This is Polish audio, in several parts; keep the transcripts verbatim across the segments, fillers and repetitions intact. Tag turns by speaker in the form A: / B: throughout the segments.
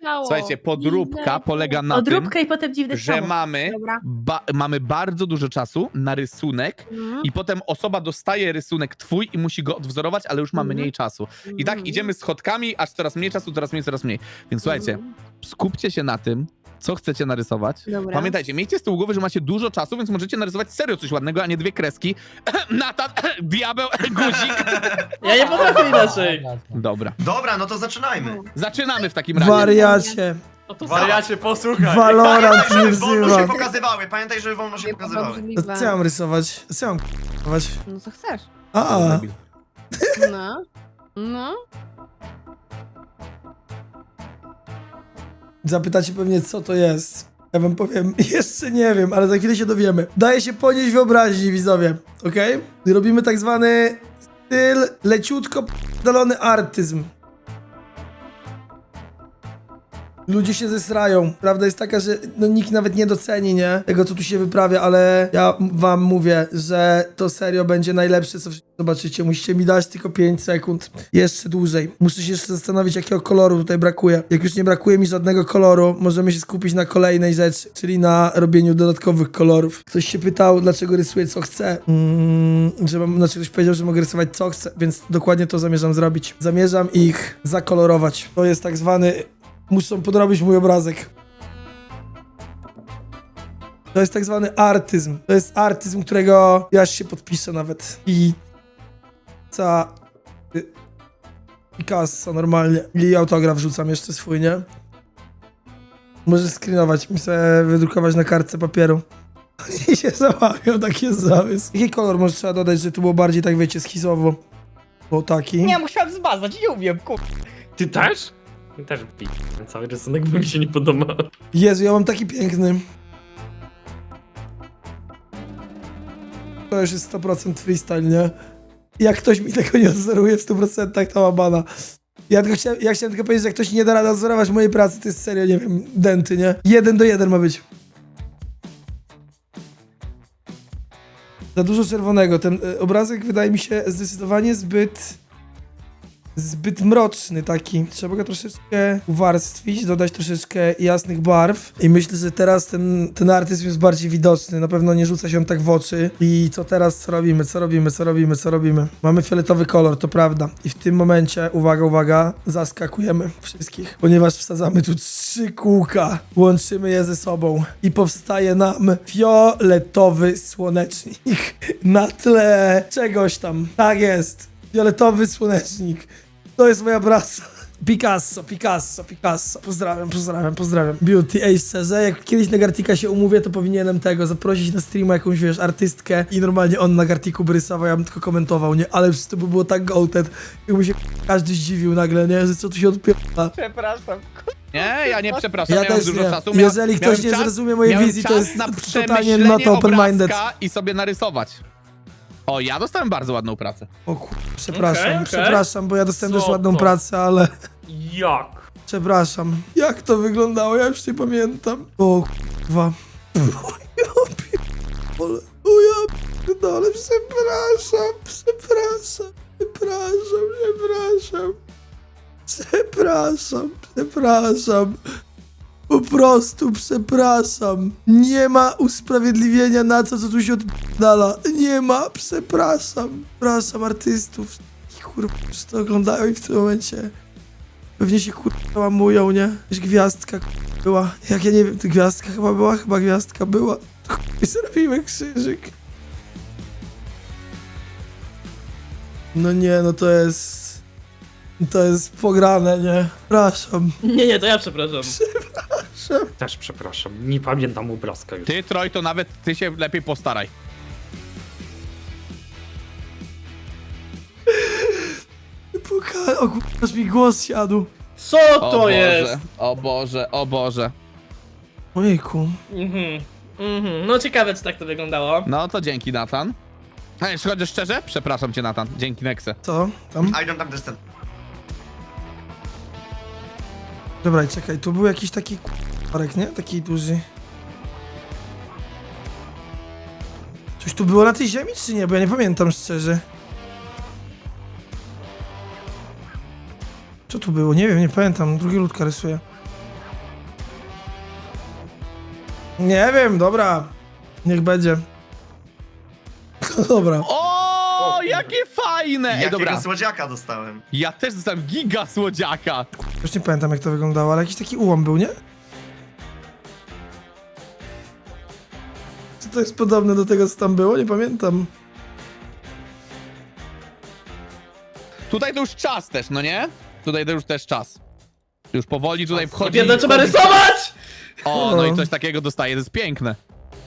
A: stało.
B: Słuchajcie, podróbka polega na
C: Odróbka
B: tym,
C: i potem dziwne
B: że
C: ciało.
B: mamy,
A: Dobra.
B: ba mamy bardzo dużo czasu na rysunek
A: Mhm.
B: i potem osoba dostaje rysunek twój i musi go odwzorować, ale już ma
A: Mhm.
B: mniej czasu. I tak
A: Mhm.
B: idziemy schodkami, aż coraz mniej czasu, coraz mniej, coraz mniej. Więc słuchajcie,
A: Mhm.
B: skupcie się na tym, co chcecie narysować.
A: Dobra.
B: Pamiętajcie, miejcie z tyłu głowy, że macie dużo czasu, więc możecie narysować serio coś ładnego, a nie dwie kreski. Natan, diabeł, guzik.
D: Ja nie potrafię inaczej.
B: Dobra.
E: Dobra, no to zaczynajmy.
B: Zaczynamy w takim razie.
F: Wariacie.
D: No to
E: Wariacie,
D: posłuchaj.
F: Valorant nie
E: Żeby wolno się
F: wzywa.
E: pokazywały, pamiętaj, żeby wolno się
A: Nie
E: pokazywały.
F: No co ja mam rysować? Co ja mam rysować?
A: No co chcesz?
F: A,
A: No. No.
F: zapytacie pewnie co to jest. Ja wam powiem, jeszcze nie wiem, ale za chwilę się dowiemy. Daje się ponieść wyobraźni, widzowie, okej? Robimy tak zwany styl leciutko p***dolony artyzm. Ludzie się zesrają. Prawda jest taka, że no, nikt nawet nie doceni, nie? Tego, co tu się wyprawia, ale ja wam mówię, że to serio będzie najlepsze, co zobaczycie. Musicie mi dać tylko pięć sekund. Jeszcze dłużej. Muszę się jeszcze zastanowić, jakiego koloru tutaj brakuje. Jak już nie brakuje mi żadnego koloru, możemy się skupić na kolejnej rzeczy, czyli na robieniu dodatkowych kolorów. Ktoś się pytał, dlaczego rysuję, co chcę. Mm, że mam, znaczy ktoś powiedział, że mogę rysować, co chcę, więc dokładnie to zamierzam zrobić. Zamierzam ich zakolorować. To jest tak zwany... Muszą podrobić mój obrazek. To jest tak zwany artyzm. To jest artyzm, którego ja się podpiszę nawet. I... Ca... y, Picasso normalnie. I autograf rzucam jeszcze swój, nie? Możesz screenować mi sobie wydrukować na kartce papieru. I się załamią, taki jest zamysł. Jaki kolor może trzeba dodać, że tu było bardziej tak, wiecie, schizowo? Bo taki.
G: Nie, musiałem zmazać, nie umiem, kur...
D: Ty też? Ja też pi... Cały rysunek, bo mi się nie podoba.
F: Jezu, ja mam taki piękny. To już jest sto procent freestyle, nie? Jak ktoś mi tego nie odzoruje w stu procentach, to ma bana. Ja, tylko chciałem, ja chciałem tylko powiedzieć, że jak ktoś nie da rady odzorować mojej pracy, to jest serio, nie wiem, denty, nie? Jeden do jeden ma być. Za dużo czerwonego. Ten y, obrazek wydaje mi się zdecydowanie zbyt... Zbyt mroczny taki. Trzeba go troszeczkę uwarstwić, dodać troszeczkę jasnych barw. I myślę, że teraz ten, ten artyzm jest bardziej widoczny. Na pewno nie rzuca się on tak w oczy. I co teraz? Co robimy? Co robimy? Co robimy? Co robimy? Mamy fioletowy kolor, to prawda. I w tym momencie, uwaga, uwaga, zaskakujemy wszystkich. Ponieważ wsadzamy tu trzy kółka. Łączymy je ze sobą. I powstaje nam fioletowy słonecznik. Na tle czegoś tam. Tak jest. Fioletowy słonecznik. To jest moja praca. Picasso, Picasso, Picasso. Pozdrawiam, pozdrawiam, pozdrawiam. Beauty, ej, szczerze, jak kiedyś na Gartika się umówię, to powinienem tego, zaprosić na streama jakąś, wiesz, artystkę i normalnie on na Gartiku by rysował, ja bym tylko komentował, nie? Ale przecież to by było tak gołted, jakby się każdy zdziwił nagle, nie? Że co tu się odpiera.
G: Przepraszam, kur...
B: Nie, ja nie przepraszam,
F: Ja
B: miałem
F: też
B: dużo
F: nie.
B: czasu. Miałem,
F: Jeżeli ktoś
B: miałem
F: nie
B: czas,
F: zrozumie mojej
B: miałem
F: wizji, to
B: czas
F: jest
B: na
F: totalnie
B: przemyślenie
F: not open-minded.
B: obrazka i sobie narysować. O, ja dostałem bardzo ładną pracę.
F: O kur... przepraszam,
D: Okej, okej.
F: przepraszam, bo ja dostałem
D: Co
F: też ładną
D: to?
F: pracę, ale...
D: Jak?
F: Przepraszam. Jak to wyglądało? Ja już nie pamiętam. O kurwa. O ja pierdolę. O ja pierdolę. Przepraszam. Przepraszam. Przepraszam. Przepraszam. Przepraszam. Przepraszam. Po prostu przepraszam. Nie ma usprawiedliwienia na to, co tu się odpala. Nie ma. Przepraszam. Przepraszam artystów. Kurwa, którzy to oglądają i w tym momencie... Pewnie się kurwa łamują, nie? Jakaś gwiazdka kurwa, była. Jak ja nie wiem, to gwiazdka chyba była? Chyba gwiazdka była. Kurwa, zrobimy krzyżyk. No nie, no to jest... To jest pograne, nie? Przepraszam.
D: Nie, nie, to ja przepraszam.
F: Przepraszam.
D: Też przepraszam, nie pamiętam obrazka już.
B: Ty, Troj, to nawet ty się lepiej postaraj.
F: Puka... O kurwa, aż mi głos siadł.
D: Co
B: O
D: to
B: Boże,
D: jest?
B: o Boże, o Boże.
F: Ojejku.
D: Mhm, mhm, no ciekawe, czy tak to wyglądało.
B: No to dzięki, Nathan. A jeśli chodzi szczerze, przepraszam cię, Nathan. Dzięki, Nexe.
F: Co? Tam?
E: I don't understand.
F: Dobra, czekaj, tu był jakiś taki korek, nie? Taki duży. Coś tu było na tej ziemi, czy nie? Bo ja nie pamiętam szczerze. Co tu było? Nie wiem, nie pamiętam. Drugi ludka rysuje. Nie wiem, dobra. Niech będzie. Dobra.
B: O, jakie fajne! Ej,
E: Jakiego
B: dobra,
E: słodziaka dostałem.
B: ja też dostałem giga słodziaka.
F: Już nie pamiętam jak to wyglądało, ale jakiś taki ułom był, nie? Czy to jest podobne do tego, co tam było? Nie pamiętam.
B: Tutaj to już czas też, no nie? Tutaj to już też czas. Już powoli tutaj wchodzi...
D: Biedne trzeba rysować!
B: O, no i coś takiego dostaje, to jest piękne.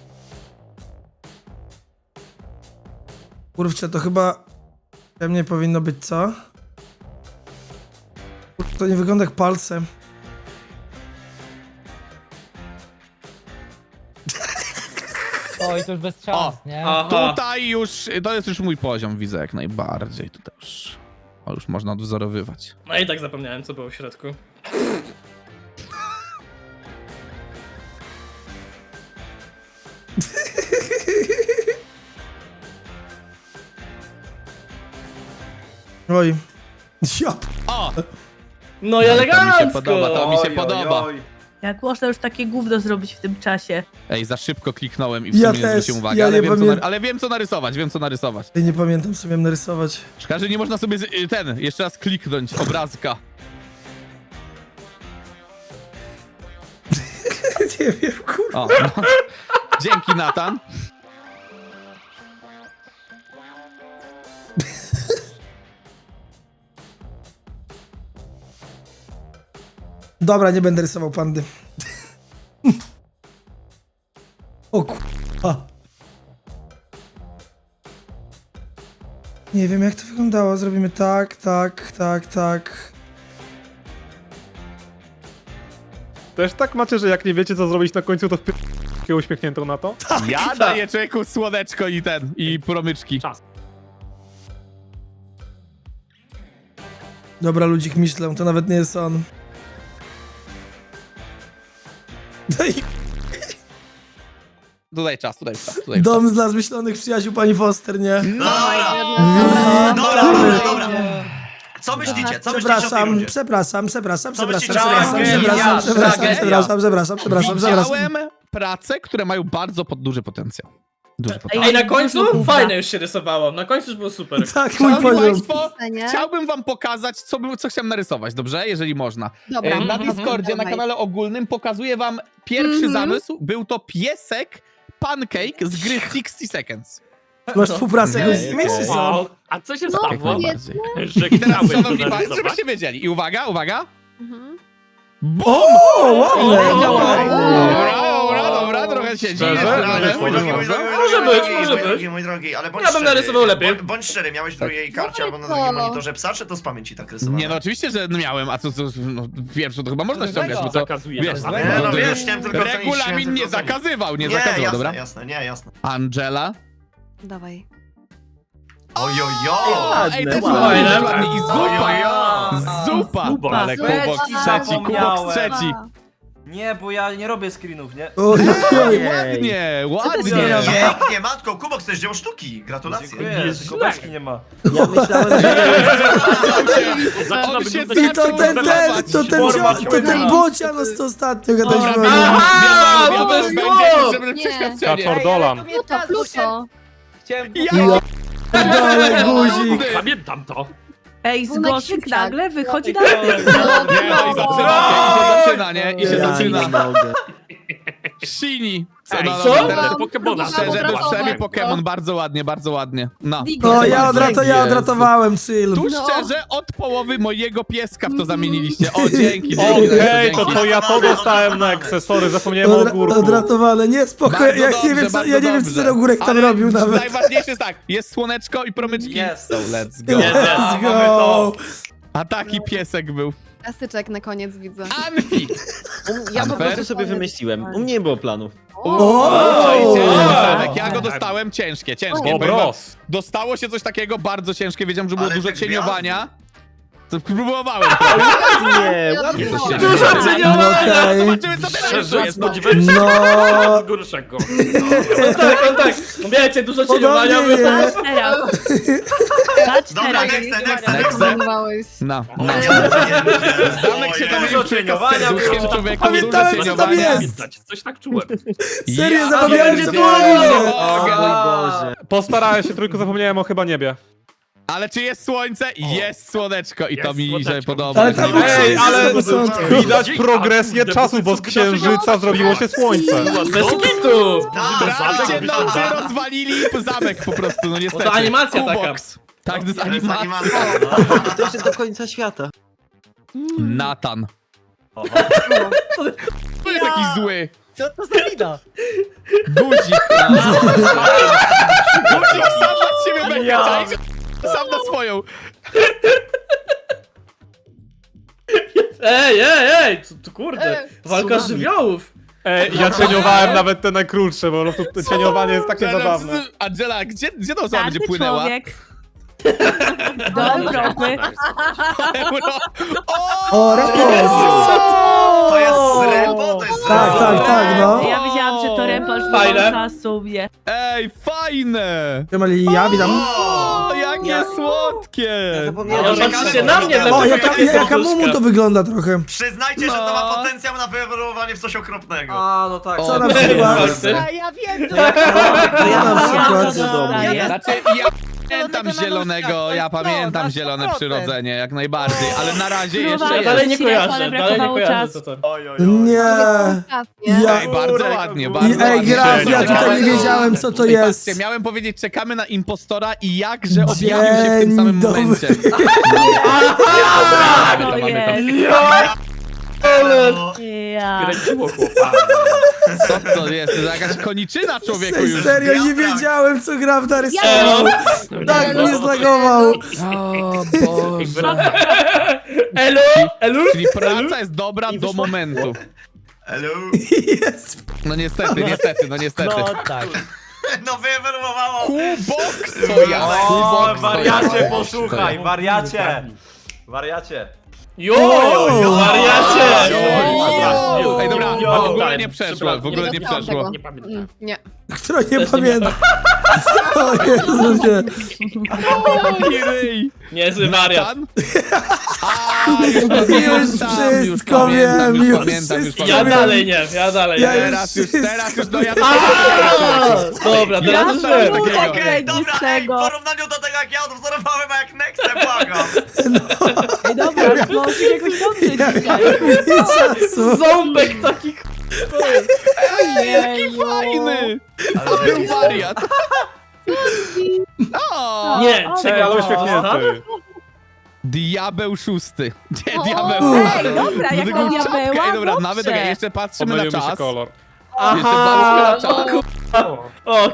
F: Kurczę, to chyba... we mnie powinno być, co? Kurczę, to nie wygląda jak palce.
G: Oj, to już bez szans,
B: O,
G: nie?
D: Aha.
B: Tutaj już, to jest już mój poziom, widzę jak najbardziej. Tutaj już, o, już można odwzorowywać.
D: No i tak zapomniałem, co było w środku.
F: Oj. Ja p-
B: O!
D: No i
B: To mi się
D: elegancko!
B: podoba, to mi się podoba.
C: Jak można już takie gówno zrobić w tym czasie?
B: Ej, za szybko kliknąłem i w
F: Ja
B: sumie nie
F: też,
B: zwróciłem uwagi,
F: ja
B: ale,
F: nie
B: wiem, co
F: pamię-
B: na, ale wiem co narysować, wiem co narysować.
F: Ja nie pamiętam, co miałem narysować.
B: Szkoda, że nie można sobie z- y, ten, jeszcze raz kliknąć, obrazka.
F: Nie wiem, kurwa.
B: O, no. Dzięki, Natan.
F: Dobra, nie będę rysował pandy. O kurwa. Nie wiem jak to wyglądało. Zrobimy tak, tak, tak, tak.
H: Też tak macie, że jak nie wiecie co zrobić na końcu, to wpierdolę uśmiechniętą na to?
B: Ja daję człowieku słoneczko i ten, i promyczki.
D: Czas.
F: Dobra, ludzik myślę, to nawet nie jest on. No i
B: Tutaj czas, tutaj czas, tutaj czas.
F: dom dla zmyślonych przyjaciół pani Foster, nie?
E: Dobra,
F: Mm,
E: dobra, dobra, dobra. Co myślicie? Co myślicie o tej
F: Przepraszam,
E: rundzie?
F: przepraszam, przepraszam,
E: Co
F: przepraszam,
E: myślicie?
F: przepraszam,
E: Tragedia,
F: przepraszam, przepraszam,
B: tragedia.
F: przepraszam, przepraszam, przepraszam, przepraszam.
B: Widziałem prace, które mają bardzo pod, duży potencjał. Duży potencjał.
D: Ej, na końcu fajne już się rysowało. Na końcu już było super.
F: Tak, mój
B: Szanowni
F: poziom.
B: Państwo,
A: Nie?
B: chciałbym wam pokazać, co, by, co chciałem narysować, dobrze? Jeżeli można.
A: Dobra.
B: E, Na
A: Mhm.
B: Discordzie, na
A: Dawaj.
B: kanale ogólnym pokazuję wam pierwszy
A: Mhm.
B: zamysł. Był to piesek Pancake z gry sixty seconds.
F: Masz współpracę jakoś z nimi, czy co?
D: Wow. A co się
A: No,
D: stało?
B: Jak najbardziej.
D: Że
B: I teraz,
D: chciałeś
B: szanowni
D: to
B: Państwo,
D: narysować?
B: żebyście wiedzieli. I uwaga, uwaga.
A: Mhm.
F: O, ładne!
B: Dobra, dobra, dobra, trochę się dziwię.
H: Szczerze?
B: ale-
E: Mój drogi, mój drogi, mój
D: Może
E: drogi,
D: być,
E: mój
D: może
E: drogi,
D: być.
E: Mój drogi, ale bądź
D: Ja bym
E: szczery.
D: narysował lepiej.
E: Bądź- Bądź szczery, miałeś w drugiej karcie albo na
A: No.
E: drugim monitorze psa, czy to z pamięci tak rysowane?
B: Nie, no oczywiście, że miałem, a co, co no, pierwsze to chyba można ściągać, bo to,
D: Zakazuje
B: wiesz,
D: nas.
E: Nie,
B: no,
E: no
B: to
E: wiesz,
B: już
E: chciałem tylko ocenić, chciałem
B: regulamin nie
E: tylko ocenić.
B: zakazywał, nie
E: Nie,
B: zakazywał,
E: jasne,
B: dobra?
E: jasne, nie, jasne.
B: Angela.
A: Dawaj.
E: Ojojo!
B: Ej, też
D: ładne.
B: ładnie, też ładnie. I zupa!
E: Ojojo!
B: Zupa!
D: Zupa.
B: Ale
C: Zupa.
B: kubok trzeci, kubok
I: Zapomniałem.
B: trzeci.
I: Nie, bo ja nie robię screenów, nie?
F: Oj,
B: Oj, ładnie, ładnie.
C: nie robisz?
E: Pięknie, matko, Kubok to jest dzieło sztuki. Gratulacje.
I: Dziękuję,
D: Jest
I: tylko
D: źle.
I: beczki nie ma.
C: Ja myślałem, że...
D: Zaczyna
B: On się
D: wyglądać
F: I to ten, ten, to ten, cio- to ten bocian, co ostatnio gadaliśmy o nim.
D: Aha,
B: Wiadomo,
D: to jest
B: będzie
D: chłop!
B: żeby
A: Nie.
B: przeświadczenie.
H: Kaczor Dolan.
A: Pluto, Pluto.
G: Chciałem...
B: Ja
F: Dole guzik.
D: Pamiętam to.
C: Ej, z
A: Wunek
C: Goszyk
A: Siksak.
C: nagle wychodzi na...
B: Nie, no i zaczyna się, i się zaczyna, nie? I się
F: Ja
B: zaczyna.
F: nie
B: Shini.
D: Ej,
B: no,
D: co?
B: no, teraz-
D: Pokemona.
B: Szczerze, to
A: Dobra,
B: przynajmniej
A: dobra.
B: Pokémon bardzo ładnie, bardzo ładnie. No.
F: O, ja, odrato, ja odratowałem, chill.
B: Tu
A: No.
B: szczerze od połowy mojego pieska w to zamieniliście. O, dzięki, dzięki.
H: Okej, to
B: dzięki.
H: to ja to dostałem na akcesory, zapomniałem o
F: Odra
H: ogórku.
F: odratowane, nie, spoko,
B: Bardzo
F: ja nie
B: dobrze,
F: wiem, co,
B: bardzo
F: ja nie wiem, co
B: dobrze.
F: ten ogórek tam
B: Ale
F: robił nawet.
B: Najważniejsze jest tak, jest słoneczko i promyczki.
I: Jest.
B: So let's go.
F: Let's
I: mamy
F: go.
I: to.
B: A taki piesek był.
A: Klasyczek na koniec widzę.
B: Anfi.
J: Ja po
B: Unfair?
J: prostu sobie wymyśliłem. U mnie nie było planu.
B: Oj,
F: O!
B: Sebek, ja go dostałem ciężkie, ciężkie.
H: O,
B: Powiem wam,
H: bros.
B: Dostało się coś takiego bardzo ciężkie, wiedziałem, że było
E: Ale
B: dużo
E: tak
B: cieniowania. To próbowałem.
J: Nie, ładnie to się
A: Dużo
J: dzieje.
C: ceniowania!
F: Okej.
B: Zobaczymy, co teraz jeszcze jest.
D: Spodziewałem się
F: No,
D: gorszego.
I: No tak, no tak. Wiecie, dużo cieniowania.
F: podobnie jest.
C: Patrz teraz. Patrz
E: Dobra,
C: teraz.
E: next, next,
B: Next.
E: next.
A: Zmarnowałeś.
B: No, no.
E: Nie, nie, nie.
B: Zamek się
E: O,
B: zamienił
I: Dużo
B: w człowieka z
I: cieniowania
B: serduszkiem
I: było.
B: człowieku,
F: Pamiętałem,
B: dużo
F: co tam
B: cieniowania.
F: jest.
D: Coś tak czułem.
F: Serio,
B: Ja
F: zapomniałem,
I: będzie
F: że
I: tu!
F: tu
B: nie
J: O
B: mogę.
J: mój Boże.
H: Postarałem się, tylko zapomniałem o chyba niebie.
B: Ale czy jest słońce? Jest słoneczko i to
D: Jest
B: mi się
D: słoneczko.
B: podoba.
F: Ale tam
H: Ej,
F: jest
H: ale
F: na początku.
H: widać progresję czasu, bo z księżyca zrobiło się słońce.
I: Bez kitu!
B: Trakcie nocy rozwalili zamek po prostu, no niestety.
I: to animacja taka.
B: Kubox. Tak, to jest
E: To jest
B: animacja.
E: animacja.
J: To jeszcze do końca świata.
B: Natan.
I: Oho.
B: To jest jakiś zły.
G: Co to za wina?
B: Guzik. Guzik sam na siebie będzie, czaisz? Sam na swoją.
I: Ej, ej, ej! Co, to kurde,
A: Ej,
I: walka
A: tsunami.
I: żywiołów!
H: Ej, ja cieniowałem nawet te najkrótsze, bo to cieniowanie jest takie zabawne.
B: Angela, gdzie, gdzie ta osoba
C: Każdy
B: będzie płynęła?
C: człowiek do Europy.
B: Euro. O!
F: O, repos.
E: To jest Rembo? To jest
F: Tak,
E: Rembo?
F: tak, tak, no.
C: Ja wiedziałam, że to Rempol
I: Fajne.
C: czasu mnie.
B: Ej, fajne!
F: Siemali, ja witam.
B: O, jakie słodkie!
J: Zapomniałem,
I: Ja
J: że
I: patrzcie na mnie,
F: O,
I: dlatego
F: jaka,
I: takie
F: jaka
I: serduszka.
F: mumu to wygląda trochę.
E: Przyznajcie, że to ma potencjał na wyewoluowanie w coś okropnego.
I: A, no tak.
F: Co na
B: O,
F: przykład?
G: A ja wiem, co
J: To ja na przykład.
C: Ja to dostaję.
B: Znaczy, ja pamiętam zielonego, ja pamiętam zielone przyrodzenie, jak najbardziej, ale na razie jeszcze
C: Próbowałam.
I: Ja dalej
B: jest.
I: nie
C: Ale
I: kojarzę, dalej nie
C: brakowało
I: kojarzę
C: czasu.
I: co to.
E: Oj, oj, oj.
F: Nie. Ja-
B: Ej, bardzo ładnie,
F: I,
B: bardzo
F: ej,
B: ładnie.
F: Graf, ja tutaj
B: Czekamy-
F: nie wiedziałem, co to
B: Ej,
F: jest.
B: patrzcie, miałem powiedzieć, czekamy na impostora i jakże objawił się w tym samym
F: Dzień dobry.
B: momencie.
C: To jest.
E: No,
C: Ja.
D: Kręciło chłopa.
B: Co to jest? To jest jakaś koniczyna człowieku już.
F: Serio, nie wiedziałem, co Graf narysował. Tak mnie zlagował.
B: O Boże.
I: Elu, elu?
B: Czyli praca jest dobra do momentu.
E: hello.
F: Jest.
B: No niestety, niestety, no niestety.
G: No tak.
E: No wyewoluowało.
B: Kubox to ja,
I: O,
B: Kubox to
I: wariacie,
B: ja.
I: posłuchaj, wariacie! Wariacie. Jo,
F: O!
I: wariacie!
B: Jo! Ej, dobra,
I: Jo!
B: w ogóle nie przeszło, w ogóle nie
A: dostałam
B: przeszło.
A: tego.
D: Nie pamiętam.
A: Mm, Nie.
F: Kto nie
I: Też nie
F: pamięta? O Jezusie.
B: Oj, ryj.
I: Niezły wariat.
B: Natan? A, już pamiętam, już
F: wszystko
B: pamiętam,
F: wiem,
B: już
F: już
B: pamiętam, już
F: wszystko
I: Ja
B: pamiętam.
I: dalej nie, ja dalej
F: Ja
I: nie.
B: Teraz już, teraz już, no ja
I: A, Dobra,
B: Ja
I: teraz już
B: dostałem
I: wiem.
B: takiego.
E: Okej,
C: Okej,
E: dobra, ej, w
C: czego?
E: porównaniu do tego, jak ja odwzorowałem, a jak Nexę, błagam.
C: Ej, dobra, może jakoś dobrze
F: Ja
C: dzisiaj.
F: nie czasu.
I: Ząbek taki
B: Jaki fajny! To był wariat. O,
I: Nie,
C: O,
H: Ej,
I: czekaj,
H: ale
I: to
H: uśmiechnięty.
B: Diabeł szósty. Nie,
A: O,
B: diabeł.
C: Ej, dobra, jak
B: Dlatego
C: to
B: czapka.
C: diabeła,
B: Ej, dobra,
C: dobrze.
B: nawet okay, jeszcze patrzymy na
H: Pomylił mi się
B: czas.
H: kolor.
B: Jeszcze patrzymy na
I: Aha,
B: czas.
I: o,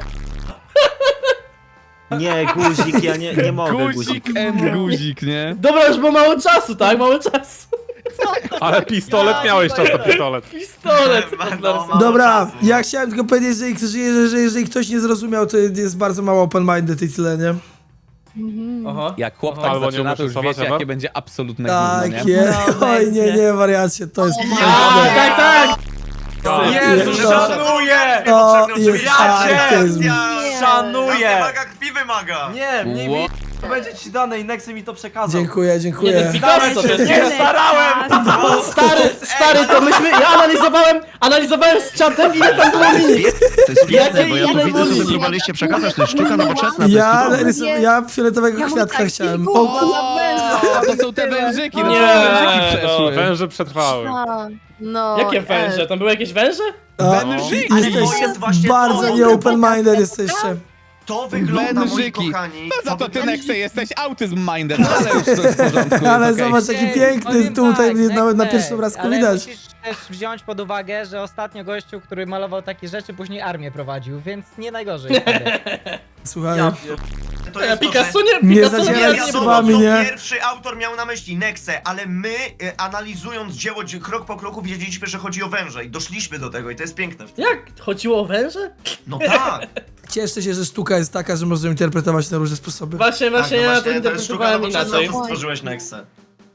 J: Nie, guzik, ja nie, nie mogę guzik.
B: Guzik and guzik, nie?
I: dobra, już było mało czasu, tak? Mało czasu.
H: Ale pistolet miałeś czas na pistolet.
I: Pistolet.
E: No, mało
F: Dobra,
E: czasu.
F: ja chciałem tylko powiedzieć, że, że, że, że jeżeli ktoś nie zrozumiał, to jest bardzo mało open-minded i tyle, nie?
I: Aha.
B: Jak chłop
I: Aha.
B: tak
H: Albo nie
B: zaczyna, to już
H: muszę
B: wiecie,
H: schować,
B: jakie
H: Ewa?
B: będzie absolutne
F: Tak,
B: gówno, nie?
F: jest.
C: No,
F: Oj, nie,
C: będzie.
F: nie, wariacie, to jest
I: A,
F: piękne.
I: tak, tak!
E: Jezu,
F: Jest.
E: szanuję!
F: To jest
E: Szanuję!
F: artyzm.
I: Szanuję!
E: Wymaga, krwi wymaga!
I: Nie, mniej
B: Ło-
I: mi to będzie ci dane i Nexy mi to przekazał.
F: Dziękuję,
I: Nie, to
F: dziękuję.
I: jest Picasso, to jest
C: Nie starałem!
I: Stary, stary, to myśmy, ja analizowałem, analizowałem z czatem ile tam było minut.
E: To jest
I: piękne, bo ja tu widzę, co wy
E: próbowaliście przekazać, to jest sztuka nowoczesna.
F: Ja, rysum- ja fioletowego
A: Ja
F: kwiatka
A: tak
F: chciałem.
A: kilku-
F: O, ku-
B: O, to są te wężyki, no
I: Nie,
B: to wężyki
I: no,
B: przeszły.
H: Węże przetrwały.
A: A, no.
I: Jakie węże? Tam były jakieś węże?
F: a,
B: Wężyki.
E: Ale to
F: jesteś
E: jest właśnie
F: bardzo
E: to.
F: nie open-minded jesteście.
E: To wygląda, moi
B: Wężyki.
E: kochani.
B: No za to ty,
E: wygląda-
B: Nexe, jesteś autyzm-minded, no ale już to jest w porządku.
F: Ale
B: jest okej.
F: zobacz, jaki
G: Ej,
F: piękny
G: powiem
F: tutaj
G: tak,
F: nawet na
G: Nexe,
F: pierwszym obrazku
G: ale
F: widać.
G: musisz też wziąć pod uwagę, że ostatnio gościu, który malował takie rzeczy, później armię prowadził, więc nie najgorzej. stary.
F: Słuchaj,
E: To
I: Ja
E: jest to, że-
I: Picasso nie,
F: Nie
I: Picasso
F: zacieraj
I: nie,
E: Nie
F: z
I: nie,
E: wiadomo,
F: szybami,
E: co
F: nie?
E: pierwszy autor miał na myśli, Nexę, ale my, e, analizując dzieło dzi- krok po kroku, wiedzieliśmy, że chodzi o węże i doszliśmy do tego i to jest piękne w tym.
I: Jak? Chodziło o węże?
E: No tak,
F: cieszę się, że sztuka jest taka, że można ją interpretować na różne sposoby.
I: Właśnie,
E: tak
I: właśnie
E: no
I: ja to
E: właśnie, to jest sztuka
I: interpretowałem
E: nowoczesna,
I: inaczej.
E: co stworzyłeś Nexę.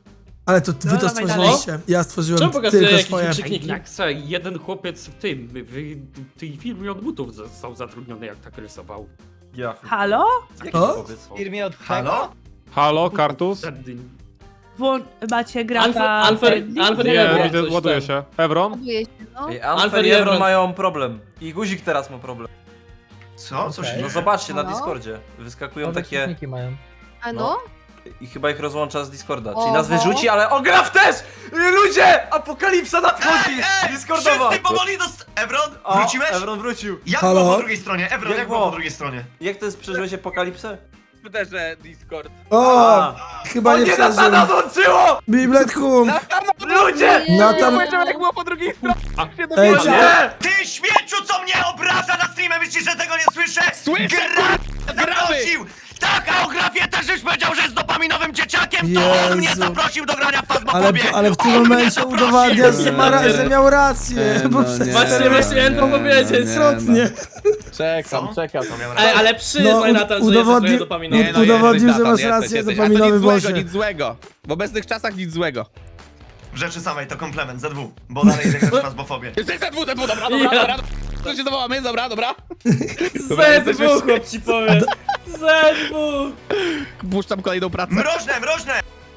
F: Ale to wy to
C: dawaj
F: stworzyliście. Ja stworzyłem
I: Czemu pokazuje
F: tylko
I: jakieś
F: swoje.
I: wykrzykniki?
D: Jak se, jeden chłopiec w tym, w tej firmie od butów został zatrudniony, jak tak rysował.
J: Ja.
C: Halo?
F: O?
G: W firmie od
E: Halo?
H: Halo, Kartus?
D: Wtedy
C: Wło- macie grata...
I: Alfer, Alfer, Alfer
H: Nie,
I: Ebron
H: widzę,
I: coś
H: ładuje
I: tam.
H: się. Ebron?
A: Ładuje się, no.
I: Alfer i Ebron
J: mają problem. I Guzik teraz ma problem.
E: Co? Co się
G: Okej.
E: dzieje?
J: No zobaczcie na
A: Halo?
J: Discordzie. Wyskakują
G: Nowe
J: takie...
G: wykrzykniki mają.
A: A no?
J: I chyba ich rozłącza z Discorda.
A: Oho.
J: Czyli nas wyrzuci, ale on gra w też! Ludzie! Apokalipsa nadchodzi!
E: Ej, ej,
J: Discordowa!
E: wszyscy powoli dost... Ebron,
J: O,
E: wróciłeś?
J: Ebron wrócił.
E: Jak
F: Halo?
E: było po drugiej stronie? Ebron,
J: Jak
E: jak było
J: było?
E: po drugiej stronie?
J: Jak to jest, przeżyłeś apokalipsę?
B: Że Discord.
F: O!
J: A.
F: Chyba
J: O
F: nie
J: nie,
F: przeżył.
J: Natana dołączyło!
F: Biblet Hum!
J: Ludzie!
F: Natan...
B: Powiedział, jak było po drugiej stronie.
F: Ej,
J: O
F: czy...
J: nie!
E: Ty śmieciu, co mnie obraża na streamie, myślisz, że tego nie słyszę?
B: Słyszę,
E: Gra... zaprosił! Tak, a o Grafie też już powiedział, że jest dopaminowym dzieciakiem, to on mnie
F: Jezu.
E: zaprosił do grania w
F: Ale,
E: Fazmofobię!
F: ale w tym
E: On mnie
F: momencie
E: zaprosił.
F: udowadniasz, że, ma ra- że miał rację.
B: Nie,
F: Bo
B: no,
F: przez...
B: nie.
I: Właśnie, właśnie miałem to powiedzieć.
F: Istotnie.
B: Czekam,
E: Co?
B: czekam.
E: Co miał
I: Ej,
E: rację?
I: ale
F: No,
I: przyznaj
F: ud-
I: Natan, że
F: udowodni-
I: jesteś trochę dopaminowy.
F: Nie, no, udowodnił, że masz
B: jesteś,
F: rację,
B: jesteś.
F: dopaminowy
B: A to nic
F: Boże.
B: złego, nic złego. W obecnych czasach nic złego.
E: W rzeczy samej to komplement, Z W, bo dalej idę grać w Fazmofobię.
B: Jesteś Z W, Z W, dobra, dobra,
I: Ja.
B: dobra. To się zawołamy, dobra, dobra. Dobra,
I: Z
B: jesteśmy
I: W,
B: już-
I: chłop ci powiem. Z W.
B: Puszczam kolejną pracę.
E: Mrożne, mrożne!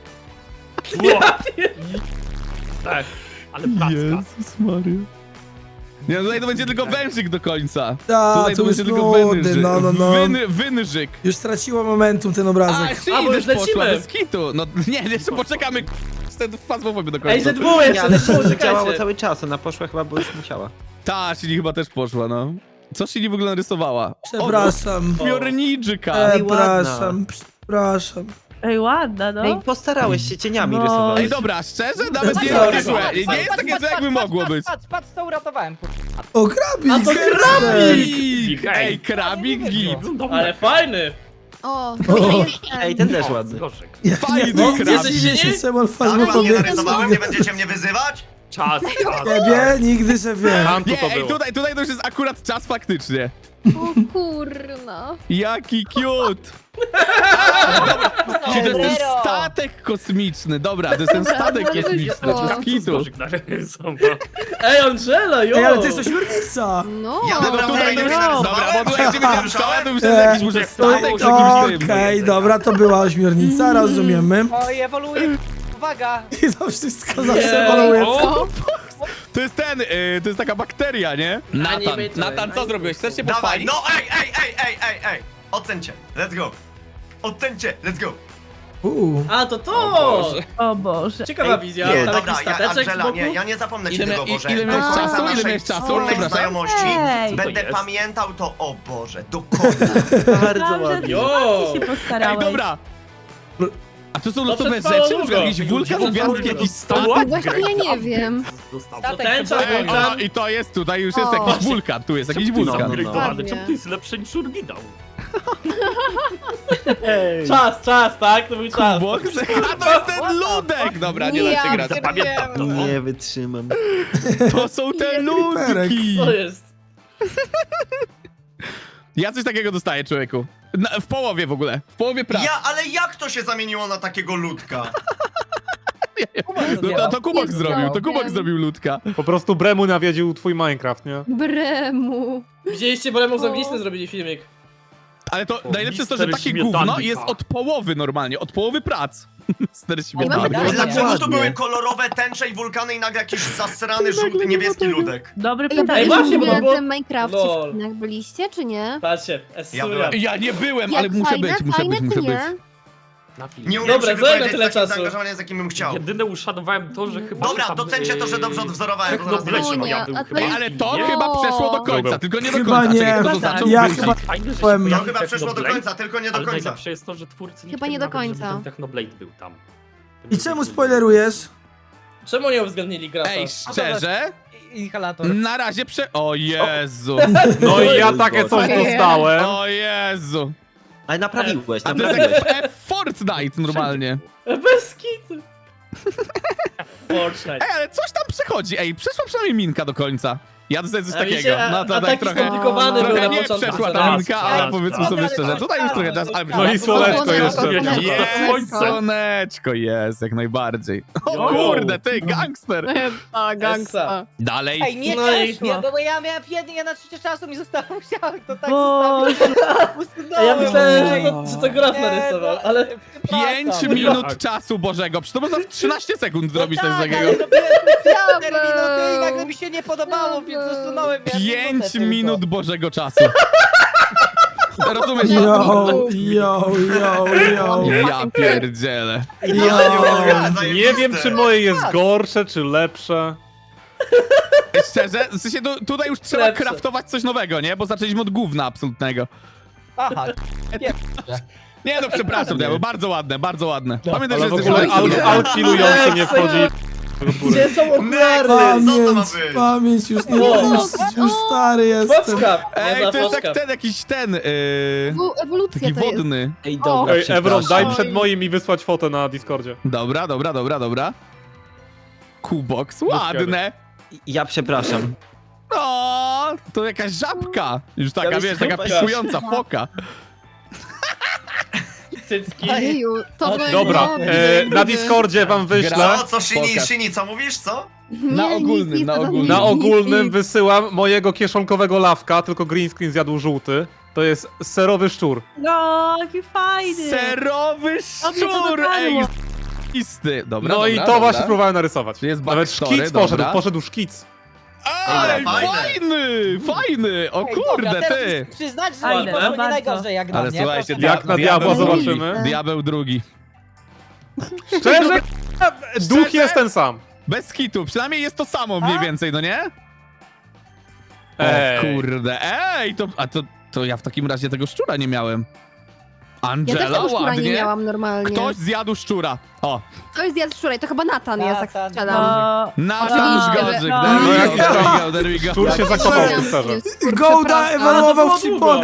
D: tak, ale placka.
B: Maria. Nie, no tutaj to będzie tylko wężyk do końca.
F: Ta,
B: Tutaj
F: to
B: to
F: już
B: będzie tylko
F: nudy,
B: wężyk.
F: no, no, no.
B: Wyn, wynżyk.
F: Już straciło momentum ten
B: A,
F: obrazek.
B: jeszcze
I: A, bo już
B: też poszła,
I: lecimy.
B: bez kitu. No nie, jeszcze poczekamy. Ten fazmofobię do końca.
I: Ej, Z W
J: Nie,
I: jeszcze,
J: ale
I: Z W,
J: się działało
I: czekajcie.
J: cały czas, ona poszła chyba, bo już musiała.
B: Ta, Shini chyba też poszła, no. Co Shini w ogóle narysowała?
F: Przepraszam.
B: O, Piorniczyka.
J: Ej,
F: Przepraszam, przepraszam.
C: Ej, ładna, no.
J: Ej, postarałeś się, cieniami
C: No.
J: rysowałeś.
B: Ej, dobra, szczerze? Nawet nie jest
F: Sorry.
B: takie złe. Nie jest takie złe, jakby mogło być.
G: Patrz, patrz, co uratowałem. kur-
F: O, krabik!
I: A to
B: Krabik! Ej, krabik git.
I: Ale fajny.
A: O,
F: O.
A: to jest ten.
J: Ej, ten też ładny.
D: Gorzek.
B: Fajny
F: No,
B: krabik.
F: dziwię się, Szymon
E: Tak, ładnie
F: Fazmofobię.
E: narysowałem, nie będziecie mnie wyzywać?
D: Czas, czas.
F: Ciebie nigdy się wie.
H: Tam tu
B: Nie,
H: to
B: ej,
H: było.
B: tutaj, tutaj to już jest akurat czas faktycznie.
A: O kurna.
B: Jaki cute! Czyli to jest ten
G: Zero.
B: statek kosmiczny. Dobra, to jest ten
A: Dobra,
B: statek
A: bardzo
B: kosmiczny.
A: szybko.
B: Bez kitu.
D: Gorzek narysował.
I: Ej, Angela, jo.
F: Ej, ale to jest ośmiornica!
A: No.
E: Ja
B: No
E: naprawdę
B: tutaj
E: nie
B: to już,
E: narysowałem?
B: dobra, bo tutaj jak się będzie ruszała, to już jest
F: Eee,
B: jakiś może statek z
F: Okej,
B: jakimś tym.
F: dobra, to była ośmiornica, rozumiemy.
G: Oj, ewoluuje. Uwaga.
F: I to wszystko zawsze
I: Nie.
F: ewoluuje.
B: O, to jest ten, y, to jest taka bakteria, nie? Natan,
I: Animator,
B: Natan, co
I: animator.
B: zrobiłeś? Chcesz się
E: Dawaj,
B: pochwalić?
E: no ej, ej, ej, ej, ej, ej! Ocencie, let's go! Ocencie, let's go!
F: Uuu.
I: A, to to.
C: O Boże.
I: Ciekawa
J: Ej,
I: wizja,
J: nie.
I: tam
E: Dobra,
I: jakiś
E: ja,
I: stateczek z
E: Angela,
I: boku.
E: nie, ja nie zapomnę ci
B: Ile
E: tego,
B: mia-
E: Boże.
B: ile
E: Do
A: miałeś
E: końca
A: czasu? Ile
E: naszej
B: miałeś czasu?
E: wspólnej
B: Przepraszam.
E: znajomości
C: Ej.
E: będę
D: jest?
E: pamiętał to, o Boże, do końca.
J: Bardzo
C: Myślałam, że
J: ładnie.
C: ty
I: Jo.
C: się
B: Ej,
C: postarałeś.
B: dobra! A to są losowe
I: przetrwało
B: rzeczy?
I: długo.
B: Czy jakiś wulkan, gwiazdki, jakiś statek?
A: Właśnie ja nie wiem.
D: Dostał.
I: To
G: Statek
I: tęcza,
G: chyba-
B: Ej,
I: wulkan.
B: o, i to jest, tutaj już jest
A: O.
B: jakiś wulkan, tu jest jakiś
D: Czemu ty
B: wulkan.
D: jest upgrade'owany?
A: Ładnie.
D: Czemu ty jest lepszy niż oryginał?
J: Ej.
I: Czas, czas, tak? To był czas.
B: Kubok? A to jest ten ludek! Dobra, nie da się
A: Ja
B: grać.
D: Pamiętam to.
J: Nie wytrzymam.
B: To są te
A: Jezu.
B: ludki!
I: Co jest?
B: Ja coś takiego dostaję, człowieku. Na, w połowie w ogóle. W połowie pracy.
E: Ja, ale jak to się zamieniło na takiego ludka?
B: No to, to Kubok
A: Nie
B: zrobił, to Kubok
A: wiem.
B: zrobił ludka.
H: Po prostu Bremu nawiedził twój Minecraft, nie?
A: Bremu.
I: Widzieliście, bo Lemon z
A: O.
I: Angliczny zrobili filmik.
B: Ale to
D: O,
B: najlepsze jest to, że
D: mister
B: takie
D: Śmietanka.
B: gówno jest od połowy normalnie, od połowy prac. Mister
A: mam
B: Śmietanka.
A: pytanie.
E: Dlaczego
J: ładnie.
E: tu były kolorowe tęcze i wulkany i nagle jakiś zasrany, żółty, niebieski ludek?
C: Dobre
A: Ej,
C: pytanie.
I: Ej, właśnie, bo to
A: w
I: było-
A: tym Minecrafcie
I: Lol.
A: w kinach byliście, czy nie?
I: Patrzcie,
E: Ja
I: Essuria.
E: byłem.
B: Ja nie byłem,
A: Jak
B: ale muszę
A: fajne,
B: być, muszę
A: fajne,
B: być, muszę
A: czy
B: być.
A: nie?
D: Na film.
E: Nie umiem
I: Dobra,
E: się
I: zajmę
E: wypowiedzieć
I: tyle
E: z takim
I: czasu.
E: zaangażowaniem, z jakim bym chciał.
D: Jedyne uszanowałem to, że chyba...
E: Dobra,
D: tam,
E: docencie to, że dobrze
D: yy,
E: odwzorowałem, bo zaraz nie
D: Technoblade
E: wytrzymam.
D: ja był
A: A to
D: chyba.
B: Ej, ale to
D: Nie?
B: chyba przeszło do końca,
H: Dobra.
B: tylko nie do
F: Chyba
B: końca.
F: nie.
B: Czekaj, kto to
C: Chyba
B: zaczął
F: Ja
B: wrócić?
F: chyba-
D: Fajne, że się
F: Byłem-
E: Ja
D: pojawił
E: chyba przeszło do
D: Technoblade,
E: końca, tylko nie do
D: ale
E: końca.
D: najlepsze jest to, że twórcy nie
A: Chyba nie
D: chcieli
A: do
D: nawet, żeby
A: końca.
D: ten Technoblade był tam.
F: I czemu spoilerujesz?
I: Czemu nie uwzględnili grata?
B: Ej, szczerze?
G: Inhalator.
B: Na razie prze... O Jezu.
H: No i ja takie coś
A: Okej.
H: dostałem.
B: O Jezu.
J: Ale naprawiłeś,
B: A to jest
J: naprawiłeś.
B: jak w Fortnite normalnie.
I: Bez kitu. Fortnite.
B: Ej, ale coś tam przechodzi. Ej, przeszła przynajmniej minka do końca. Ja dostaję coś
I: A
B: takiego.
I: wiecie, a-
B: No to
I: a
B: tak
I: taki
B: trochę...
I: skomplikowany był
B: Trochę
I: na
B: nie
I: początku.
B: przeszła
I: co
B: ta
I: raz.
B: linka,
G: raz,
B: ale powiedzmy
G: raz,
B: sobie
G: raz,
B: szczerze,
G: raz,
B: tutaj już trochę
G: raz,
B: czas, ale...
H: No i słoneczko
A: Słoneczko,
H: jeszcze.
A: słoneczko.
B: Jest,
D: Słońce.
B: słoneczko jest, jak najbardziej. O
H: Jo.
B: kurde, ty, gangster.
A: A, gangsta.
B: Dalej.
G: Ej, nie
I: No i-
G: też, nie, bo ja miałem jednie na trzecie czasu mi zostało, musiałem to tak
C: Boże.
G: zostawić.
I: A ja myślałem, że
G: Ej,
I: to, że to graf
G: nie,
I: narysował,
G: no,
I: ale...
B: Pięć
G: przepraszam.
B: minut czasu Bożego. Przecież to można w trzynaście sekund zrobić
G: no
B: coś
G: tak,
B: takiego.
G: ale robiłem specjalne
A: Diabeł.
G: minuty i nagle mi się nie podobało, więc
A: Diabeł.
G: usunąłem. miałem
B: Pięć
G: minutę tylko.
B: minut Bożego czasu. Rozumiesz?
F: Yo, yo, yo, yo.
B: Ja pierdzielę.
F: Yo.
H: Nie wiem, czy moje jest gorsze, czy lepsze.
B: Szczerze, w sensie tu, tutaj już trzeba
I: Lepsze.
B: kraftować coś nowego, nie? Bo zaczęliśmy od gówna absolutnego.
G: Aha,
B: Nie no, przepraszam, Diabeł, bardzo ładne, bardzo ładne. Pamiętaj,
H: Ale
B: że
H: w
B: jesteś
H: ogóle
B: ładny.
H: al alkilujący nie wchodzi do góry.
I: Gdzie są okulary?
E: Co to ma
F: Pamięć,
E: być?
F: pamięć, już nie
I: O.
F: już, już stary jestem.
I: Foczka!
B: Ej,
I: Nie
B: to jest
I: foczka.
B: jak ten, jakiś ten, yy,
A: Ewu- Ewolucja
B: taki
A: to jest.
B: wodny.
I: Ej,
A: O.
I: dobra.
H: Ej, Evron, daj
A: Oj.
H: przed moim i wysłać fotę na Discordzie.
B: Dobra, dobra, dobra, dobra. Kubox, ładne.
J: Ja przepraszam.
B: O, to jakaś żabka. Już taka,
I: Ja
B: wiesz, taka
I: myślałem-
B: pikująca foka.
I: Cycki.
A: Ojeju, to
G: O,
A: będzie
H: Dobra,
A: dobre.
H: e, na Discordzie wam wyślę.
E: Co, co, Shini,
B: Pokaż.
E: Shini, co mówisz, co?
A: Nie,
B: na
A: nic,
B: ogólnym,
A: nic,
B: na
A: nic,
B: ogólnym.
A: nic,
H: Na
A: nic,
H: ogólnym
A: nic.
H: wysyłam mojego kieszonkowego lawka, tylko green screen zjadł żółty. To jest serowy szczur.
C: No, jaki fajny.
B: Serowy
C: Dobrze to
B: szczur, ej,
C: dopadło.
B: isty. Dobra,
H: No
B: dobra,
H: i to
B: dobra.
H: właśnie próbowałem narysować.
B: Jest
H: Nawet
B: backstory,
H: szkic poszedł,
B: dobra.
H: poszedł szkic.
B: Ej,
E: Ej, fajne.
B: fajny, fajny, o
G: Ej,
B: kurde,
G: dobra, teraz
B: ty.
G: muszę przyznać, że
C: Fajne,
G: nie poszło nie
C: bardzo.
G: najgorzej jak na
B: Ale
G: mnie.
B: słuchajcie,
G: proszę
H: Jak
G: bardzo.
H: na diabła
B: diabeł drugi.
H: zobaczymy.
B: Diabeł drugi.
H: Szczerze, duch
B: Szczerze?
H: jest ten sam.
B: Bez kitu, przynajmniej jest to samo mniej
G: A?
B: więcej, no nie? O
H: Ej.
B: kurde, ej, to, a to, to ja w takim razie tego szczura nie miałem.
A: Ja też
B: Angela,
A: tego szczura nie
B: ładnie.
A: miałam normalnie.
B: Ktoś zjadł szczura. O,
A: To jest zjadł szczura i to chyba Natan jest, jak
G: Natan.
A: strzelam.
C: No,
B: Natan
A: Oczywiście,
B: Zgorzyk,
A: że-
B: there
C: No,
B: we
H: jakiś
B: go, there
H: tam
B: we go, there we go.
H: Szczur się zakochał w tym serze.
F: Gołda ewaluował w Chipon.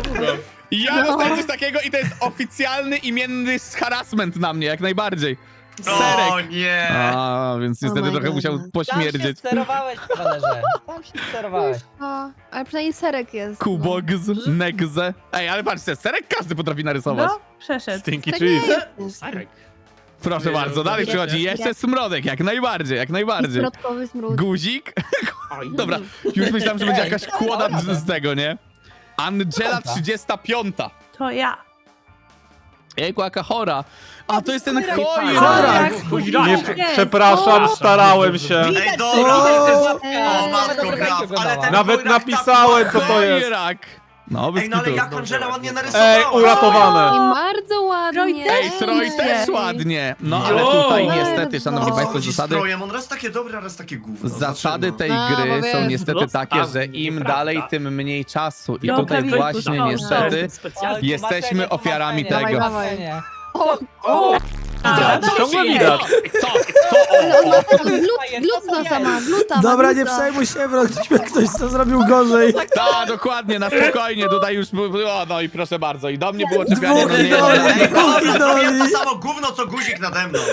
B: Ja dostaję coś takiego i to jest oficjalny, imienny harassment na mnie, jak najbardziej.
E: O
B: Serek.
E: nie!
B: A, więc niestety
A: my
B: trochę
A: God.
B: musiał
G: Tam się
B: pośmierdzieć.
G: sterowałeś, Walerze. Tam się sterowałeś.
A: A, ale przynajmniej serek jest.
B: Kubogs, Negze. Ej, ale patrzcie, serek każdy potrafi narysować.
C: no, przeszedł.
H: Stinky
A: Tak
H: cheese.
A: jest.
D: Serek.
B: Proszę
D: Nie,
B: bardzo,
D: no,
B: dalej
D: nie,
B: przychodzi
D: nie.
B: jeszcze smrodek, jak najbardziej, jak najbardziej.
A: Smrodkowy smród.
B: Guzik.
D: Oj,
B: Dobra, już myślałem, że będzie
G: Ej,
B: jakaś
G: dobra,
B: kłoda
G: dobra.
B: z tego, nie? Angela trzydziesta piąta.
C: To ja.
B: Jejku, jaka chora. A, to jest ten chory.
F: Chorak.
H: Nie,
C: Jest.
H: przepraszam, starałem się.
E: Ej, dobra,
F: O,
E: ty,
A: o,
E: o matko, graf, ale ten
H: Nawet
E: chojrak tam-
H: napisałem, co to jest.
B: Chojrak. No, bez
E: Ej, no ale
B: kitu.
E: jak Angela ładnie narysowała.
H: Ej, uratowane.
A: I bardzo ładnie.
C: Troj też.
B: Ej, Troj
C: Ej.
B: też ładnie. No, ale
I: Jo.
B: tutaj niestety, szanowni
A: No.
B: państwo,
E: Chodzi z
B: zasady...
E: Trojem, on raz takie dobre, a raz takie gówno.
B: Zasady
E: Zobaczymy.
B: tej
A: No, bo
B: gry są
A: wiesz,
B: niestety
D: no,
B: takie,
D: tam
B: że im
D: nieprawda.
B: dalej, tym mniej czasu. I
C: No,
B: tutaj
C: prawie
B: właśnie
C: szkoda.
B: niestety
D: Specjalnie.
B: jesteśmy ofiarami
G: Tłumaczenie,
B: tego.
G: tłumaczenie.
A: O,
G: O,
C: A,
B: Co
H: Ciągle
B: jest?
H: widać.
B: Co? Co?
A: ale on
B: O,
A: ma
B: o.
A: glut, glut sama, gluta ma,
F: Dobra, nie
A: gluta.
F: przejmuj się, bro, ktoś, ktoś co zrobił gorzej.
B: Tak, dokładnie, na spokojnie, tutaj już było, o, no i proszę bardzo, i do mnie było czepianie, no
F: Dwóch
B: nie,
F: idoli.
B: nie,
E: Ej, dobra,
F: Idoli.
E: zrobiłem to samo gówno, co guzik nade mną.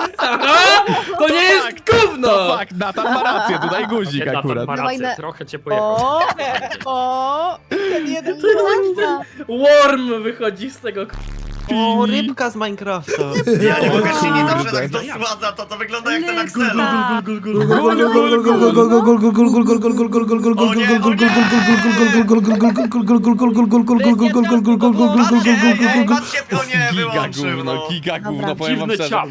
I: To nie jest gówno!
B: to fakt, Natan ma rację, tutaj guzik
D: Natan
B: akurat.
D: ma
A: Dawaj
D: rację,
A: na-
D: trochę cię pojechał.
G: o, o, ten jeden
A: Gluta.
I: Worm wychodzi z tego.
J: O, rybka z Minecrafta.
E: Ja nie mogę, Shini
B: kurde.
E: zawsze tak dosładza, to to wygląda jak ten Axel.
C: Lista.
E: Patrzcie, ej, ej, patrzcie, o nie,
B: Giga
E: wyłączył,
B: gówno,
E: no.
B: giga
A: Dobra.
B: gówno, powiem wam
D: Dziwny
B: szczerze.
D: ciał.